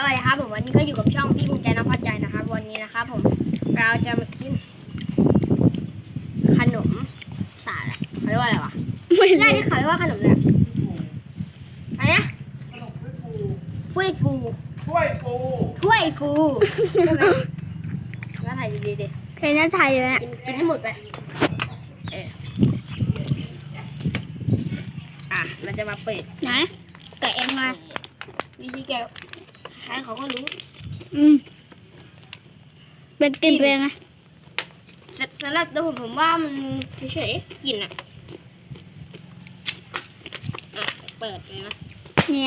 วัสดีครับผมวันนี้ก็อยู่กับช่องพี่ภูมิใจน้ำพัดใจนะครับวันนี้นะครับผมเราจะมากินขนมสาละเขาเรียกว่าอะไรวะไม่ได้ที่เขาเรียกว่าขนมเนี่ยอะไรนะถ้วยฟูถ้วยฟูใช่ไหมน่าถ่ายดีๆดิเทน่าไทยเลยนะกินให้หมดไปเราจะมาเปิดนะแกะเองมาวิธีแกะใครเขาก็รู้เป็นกลิ่นเป็นไงแต่สำหรับตัวผมว่ามันเฉยๆกลิ่นอ่ะเปิดเลยนะเนี่ย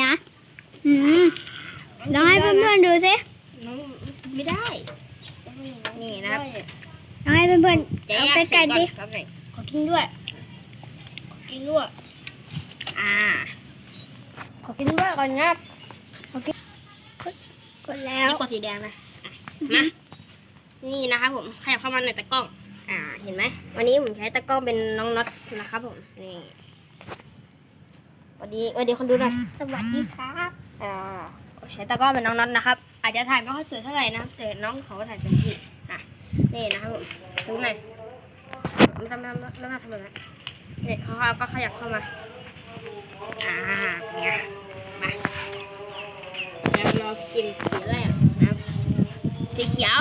ลองให้เพื่อนๆดูสิไม่ได้นี่นะครับลองให้เพื่อนๆเอาไปกันดิขอกินด้วยขอกินด้วยก่อนครับกดแล้วกดสีแดงนะมานี่นะครับผมขยับเข้ามาหน่อยตะกล้องเห็นไหมวันนี้ผมใช้ตะกล้องเป็นน้องน็อตนะครับผมนี่สวัสดีคนดูหน่อยสวัสดีครับใช้ตะกล้องเป็นน้องน็อตนะครับอาจจะถ่ายไม่ค่อยสวยเท่าไหร่นะครับแต่น้องเขาถ่ายเป็นที่นี่นะครับผมดูหน่อยไม่ทำแบบนั้นนี่เขาก็ขยับเข้ามาเนี่ยมาแล้วเรากินสีแรกนะครับสีเขียว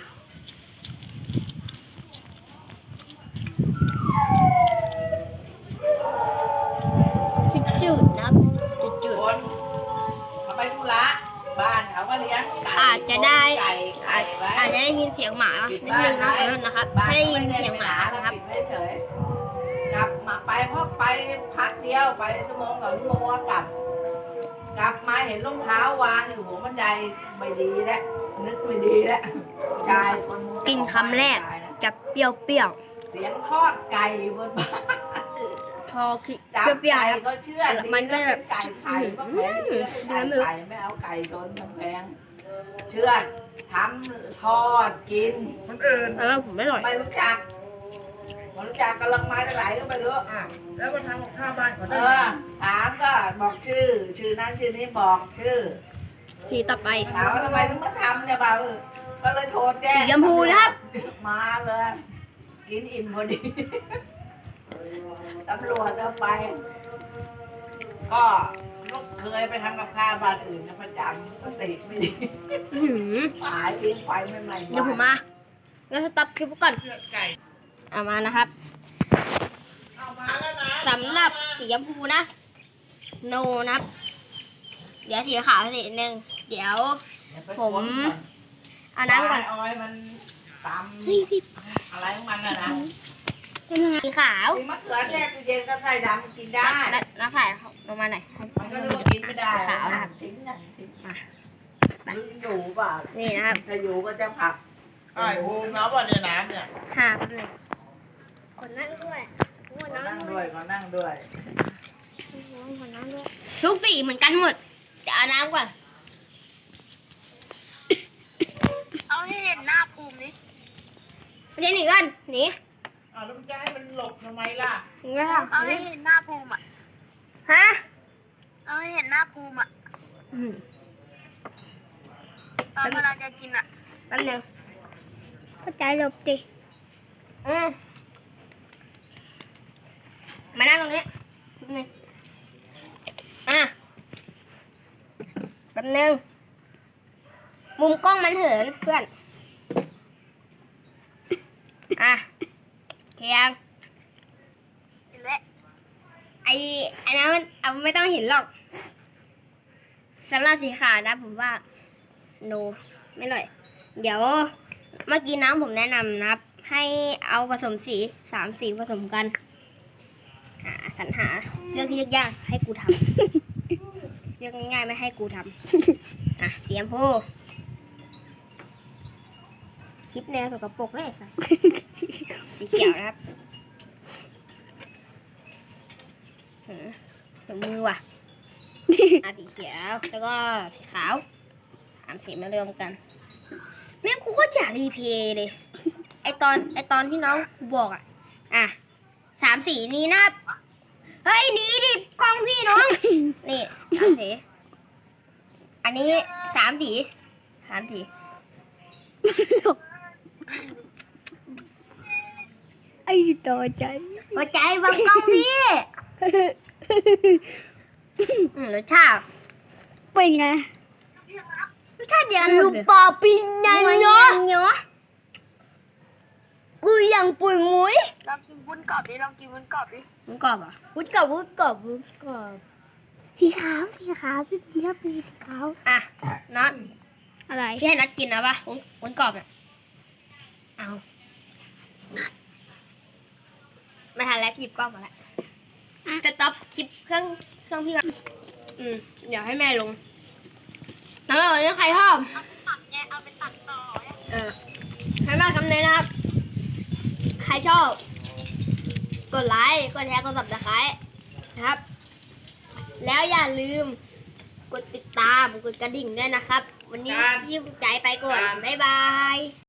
จืดนะครับจืดเขาไปธุระบ้านเขาก็เลี้ยงอาจจะได้ยินเสียงหมานิดนึงนะครับถ้าได้ยินเสียงหมานะครับกลับมาไปเพราะไปพักเดียวไปชั่วโมง2 ชั่วโมงกลับมาเห็นรองเท้าวางอยู่หัวบันไดไม่ดีแล้วนึกไม่ดีแล้วกายกินคำแรกจะเปรี้ยวเสียงทอดไก่บนบ้านพอคิดเปรี้ยวก็เชื่อมันก็แบบไก่ไข่ก็แพงไก่ไม่เอาไก่โดนมันแพงเชื่อทำทอดกินคนอื่นแล้วผมไม่อร่อยไม่รู้จักกำลังมาไหลก็ไปรู้แล้วมาทำกับข้าวบ้านก่อนได้ถามก็บอกชื่อนั้นชื่อนี้บอกชื่อสีต่อไปถามว่าทำไมถึงมาทำเนี่ยบ่าวก็เลยโทรแจ้งสีชมพูนะครับมาเลยกินอิ่มพอดีตำรวจเอาไปก็ลูกเคยไปทำกับข้าวบ้านอื่นนะประจำก็ติดไม่ดีหายทิ้งไปไม่ใหม่เดี๋ยวผมมางั้นสต็อปคลิปก่อนเอามานะครับสำหรับสีชมพูนะโนนะครับเดี๋ยวสีขาวสีหนึ่งเดี๋ยวผมเอาน้ำก่อนมันตำอะไรของมันนะสีขาวสีมะเขือแช่ตู้เย็นก็ใส่ดำกินได้แล้วใส่ลงมาหน่อยมันก็เรียกว่ากินไม่ได้ขาวนะครับทิ้งอยู่เปล่านี่นะครับจะอยู่ก็จะผักไอ้โฮมน้ำวันในน้ำเนี่ยเลยคนนั่งด้วยทุกสีเหมือนกันหมดจะเอาน้ำก่อนเอาให้เห็นหน้าภูมิดิเดี๋ยวหนีกันหนีแล้วมันจะให้มันหลบทำไมล่ะเอาให้เห็นหน้าภูมิฮะเอาให้เห็นหน้าภูมิตอนเวลาจะกินแป๊บนึงเข้าใจหลบดิมานั่งตรงนี้แป๊บนึงแป๊บนึงมุมกล้องมันเหินเพื่อนเคียงไอ้นั้นมันเอาไม่ต้องเห็นหรอกสำหรับสีขาวนะผมว่าโนไม่อร่อยเดี๋ยวเมื่อกี้น้ำผมแนะนำนะครับให้เอาผสมสี3 สีผสมกันสรรหาเรื่องที่ยากๆให้กูทำเรื่องง่ายๆไม่ให้กูทำสีชมพูคลิปแนวสกปรกเลยสิสีเขียวนะครับถึงมือว่ะสีเขียวแล้วก็สีขาว3 สีมารวมกันเนี่ยกูก็อยากรีเพย์เลยไอตอนที่น้องกูบอก3 สีนี้นะครับเฮ้ยหนีดิกล้องพี่น้องนี่3 สีอันนี้ 3 สี3 สีไอ้ต่อใจหัวใจบางกล้องพี่รสชาติเป็นไงรสชาติเดียวกันหมลูดกเลยปอปิงนันเนาะเนาะกูยังปุ๋ยมุ้ยลองกินวุ้นกรอบดิลองกินวุ้นกรอบดิมันกรอบอ่ะวุ้นกรอบวุ้นกรอบวุ้นกรอบสีขาวสีขาวพี่เป็นสีขาวอ่ะน็อตอะไรพี่ให้น็อตกินนะปะวุ้นกรอบเนี่ยเอาไม่ทันแล้วหยิบกล้องมาแล้วจะต็อปคลิปเครื่องพี่ก่อนเดี๋ยวให้แม่ลงแล้ววันนี้ใครชอบตัดไงเอาไปตัดต่อให้แม่คำนี้นะครับ ใครชอบ กดไลค์ กดแชร์ กด subscribe นะครับ แล้วอย่าลืม กดติดตาม กดกระดิ่งด้วยนะครับ วันนี้พี่ใจไปก่อน บ๊ายบาย